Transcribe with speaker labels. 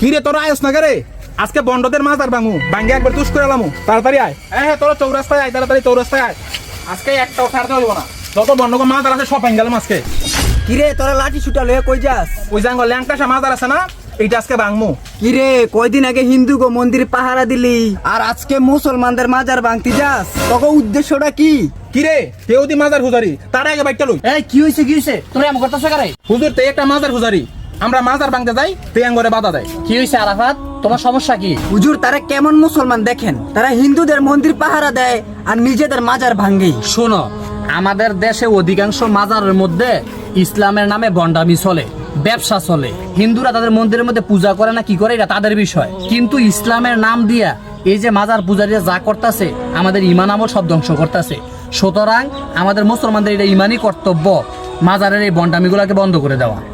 Speaker 1: কি রে তোরা আয়স না রে? আজকে বন্ডদের মাছ আর ভাঙু ভাঙ্গে একবার তুষ করে এলামু। তাড়াতাড়ি আয়। হ্যাঁ তোরা চৌরাস্তায় আয়, তাড়াতাড়ি চৌরাস্তায় আয়। আজকে একটাও ছাড়তে হইব না। যত বন্ডকে মাছ আর আছে সব ভাঙ্গে গেলাম আজকে।
Speaker 2: কিরে তোরা লাঠি ছুটা লয়ে কই যাস?
Speaker 1: ওই জাঙ্গল ল্যাংটাসা মাছ আর আছে না, এইটা আজকে ভাঙমু।
Speaker 2: কিরে কয়দিন আগে হিন্দু গো মন্দির পাহারা দিলি, আর আজকে মুসলমানদের মাজার ভাঙতি যাস? তোকে উদ্দেশ্যটা কি?
Speaker 1: কি রে কেউ দি মাজার হুজারি, তার আগে বাইকটা লই।
Speaker 3: এই কি হইছে তোরা এমন করতেছ কারে?
Speaker 1: হুজুর তে একটা মাজার হুজারি, আমরা মাজার ভাঙতে যাই তে আঙ্গরে বাধা দেয়।
Speaker 3: কি হইছে আরাফাত, তোমার সমস্যা কি?
Speaker 2: হুজুর তারা কেমন মুসলমান দেখেন, তারা হিন্দুদের মন্দির পাহারা দেয় আর নিজেদের মাজার ভাঙে।
Speaker 3: শোনো, আমাদের দেশে অধিকাংশ মাজারের মধ্যে ইসলামের নামে ভণ্ডামি চলে, ব্যবসা চলে। হিন্দুরা তাদের মন্দিরের মধ্যে পূজা করে না কি করে এটা তাদের বিষয়, কিন্তু ইসলামের নাম দিয়া এই যে মাজার পূজারীরা যা করতেছে আমাদের ইমান আমল সব ধ্বংস করতেছে। সুতরাং আমাদের মুসলমানদের এটা ইমানই কর্তব্য মাজারের এই ভণ্ডামিগুলোকে বন্ধ করে দেওয়া।